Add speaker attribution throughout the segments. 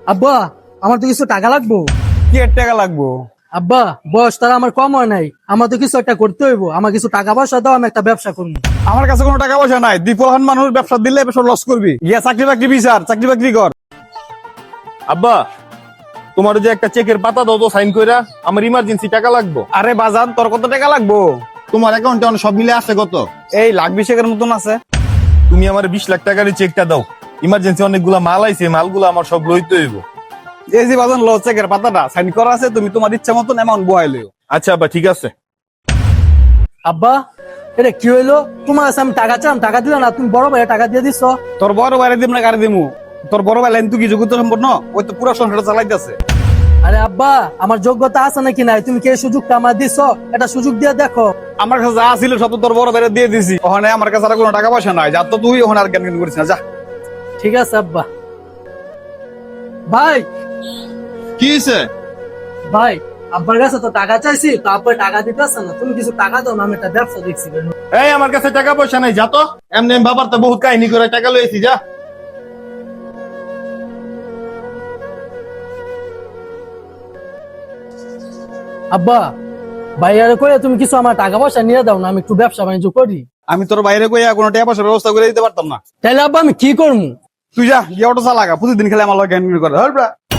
Speaker 1: আব্বা আমার তো কিছু টাকা লাগবো।
Speaker 2: কি এর টাকা লাগবো?
Speaker 1: আব্বা বয়স তারা আমার কম হয় নাই, আমার তো কিছু একটা করতে হইব। আমার কিছু টাকা পয়সা দাও, আমি একটা ব্যবসা করবো।
Speaker 2: আমার কাছে কোনো টাকা পয়সা নাই। দ্বীপলহান মানুষ ব্যবসা দিলে ব্যবসা লস করবি। গিয়া চাকরি বাকরি বিচার, চাকরি বাকরি কর।
Speaker 3: আব্বা তোমার যে একটা চেকের পাতা দাও তো সাইন কইরা, আমার ইমার্জেন্সি টাকা লাগবে।
Speaker 2: আরে বাজান, তোর কত টাকা লাগবো?
Speaker 3: তোমার অ্যাকাউন্টে সব মিলে আছে কত?
Speaker 2: এই লাখ 20 মতন আছে।
Speaker 3: তুমি আমার 20 লাখ টাকার চেকটা দাও। ইমার্জেন্সি অনেকগুলা মাল আইছে, মালগুলো আমার সব লইতে হইব।
Speaker 2: এই যে বাজান, লো চেকের পাতাটা সাইন করা আছে, তুমি তোমার ইচ্ছা মতন অ্যামাউন্ট বহাই লইও।
Speaker 3: আচ্ছা আব্বা ঠিক আছে।
Speaker 1: আব্বা এটা কি হইলো? তোমার কাছে আমি টাকা চাম, টাকা দিলে না, তুমি বড় ভাই টাকা দিয়ে দিচ্ছ।
Speaker 2: তোর বড় বাইরে দিব না গাড়ি দিমু? তোর বড় ভাই লাইন তুই কি যোগ্যতা সম্পন্ন? ওই তো পুরো সংসারটা চালাইতেছে।
Speaker 1: আরে আব্বা আমার যোগ্যতা আছে নাকি নাই, তুমি কি এই সুযোগটা আমার দিচ্ছ? এটা সুযোগ দিয়ে দেখো।
Speaker 2: আমার কাছে যা ছিল সব তো তোর বড় বাইরে দিয়ে দিছি। ওখানে আমার কাছে আর কোনো টাকা পয়সা নাই। যা তো তুই ওখানে আর জ্ঞান করিস না, যা।
Speaker 1: ঠিক আছে আব্বা। ভাই
Speaker 3: কি হইছে?
Speaker 1: ভাই আব্বার কাছে তো টাকা চাইছি, তো আব্বা টাকা দিতেছে না, তুমি কিছু টাকা দাও না, আমি একটা ব্যবসা দেখছি।
Speaker 3: এই আমার কাছে টাকা পয়সা নাই, যা তো। এমনি আমি বাবার তো বহুত কাহিনী করে টাকা লইছি, যা।
Speaker 1: আব্বা ভাইয়ারে কইয়া তুমি কিছু আমার টাকা পয়সা নিয়ে দাও না, আমি একটু ব্যবসা বাণিজ্য করি।
Speaker 2: আমি তোর বাইরে কইয়া কোনো টাকা পয়সার ব্যবস্থা করে দিতে পারতাম না।
Speaker 1: তাহলে আব্বা আমি কি করবো?
Speaker 2: তুই যা, গিয়ে অটো চালাগা। প্রতিদিন খেলে আমার জ্ঞান করে ধর।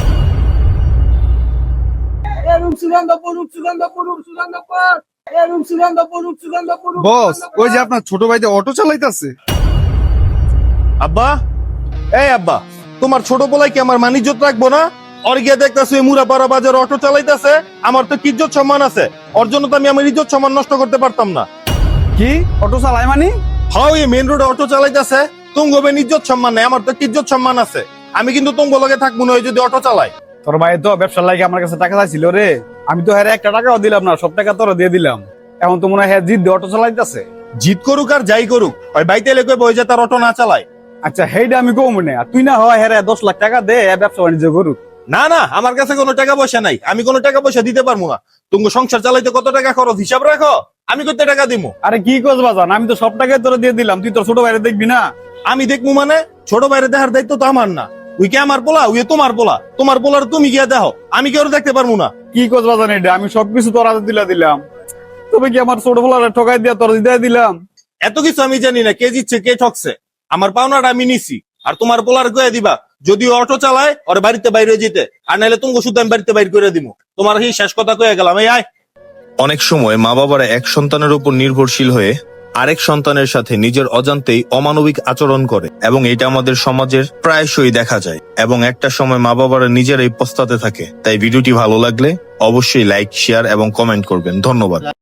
Speaker 2: বস, ওই যে আপনার ছোট ভাই যে অটো চালাইতেছে।
Speaker 3: আব্বা এই আব্বা, তোমার ছোট পোলাই কি আমার মান ইজ্জত রাখবো না? ওর গিয়ে দেখতেছো মুরাপাড়া বাজার অটো চালাইতেছে, আমার তো কি ইজ্জত সম্মান আছে। ওর জন্য তো আমি আমার ইজ্জত সম্মান নষ্ট করতে পারতাম না।
Speaker 2: কি অটো চালায় মানে?
Speaker 3: হাও এই মেন রোডে অটো চালাইতেছে, তুঙ্গ বেন ইজ্জত সম্মান নাই, আমার তো কি ইজ্জত সম্মান আছে। আমি কিন্তু তুঙ্গ লগে থাকবো না ওই যদি অটো চালাই।
Speaker 2: তোর ভাই তো ব্যবসার লাগে আমার কাছে টাকা চাইছিল রে। আমি তো হ্যাঁ একটা টাকাও দিলাম না, সব টাকা তোর দিয়ে দিলাম। এখন তো মনে হয় হ্যাঁ জিদ দিয়ে অটো চালাইতেছে।
Speaker 3: জিত করুক আর যাই করুক, ওই বাইতে লেগে বই যে তার অটো না চালায়।
Speaker 2: আচ্ছা হেইটা আমি কম মনে, আর তুই না হয় হ্যাঁ 10 লাখ টাকা দে, ব্যবসা বাণিজ্য করুক।
Speaker 3: না না, আমার কাছে কোনো টাকা পয়সা নাই, আমি কোনো টাকা পয়সা দিতে পারবো না। তুমি সংসার চালাইতে কত টাকা খরচ হিসাব রাখো, আমি কত টাকা দিমু?
Speaker 2: আরে কি করছ বাজান, আমি তো সব টাকাই তোরা দিয়ে দিলাম। তুই তোর ছোট ভাইরে দেখবি না?
Speaker 3: আমি দেখবো মানে? ছোট বাইরে দেখার দায়িত্ব তো আমার না। উই কে আমার পোলা, উই তোমার পোলা। তোমার পোলার তুমি গিয়া দেখো, আমি কেউ দেখতে পারবো না।
Speaker 2: কি করছ বাজান এটা? আমি সবকিছু তোর হাতে দিলাম। তবে কি আমার ছোট পোলারে ঠকাই দিয়া তোর দিয়ে দিলাম?
Speaker 3: এত কিছু আমি জানি না কে জিতছে কে ঠকছে। আমার পাওনাটা আমি নিছি, আর তোমার পোলার কয়ে দিবা যদি অটো চালায় ওর বাড়িতে বাইরে যেতে, আর নাহলে তুমি শুধু আমি বাড়িতে বাইর করে দিব। তোমার এই শেষ কথা কয়ে গেলাম। এই আয়।
Speaker 4: অনেক সময় মা বাবারা এক সন্তানের উপর নির্ভরশীল হয়ে আরেক সন্তানের সাথে নিজের অজান্তেই অমানবিক আচরণ করে, এবং এটা আমাদের সমাজের প্রায়শই দেখা যায়, এবং একটা সময় মা বাবারা নিজেরাই পস্তাতে থাকে। তাই ভিডিওটি ভালো লাগলে অবশ্যই লাইক, শেয়ার এবং কমেন্ট করবেন। ধন্যবাদ।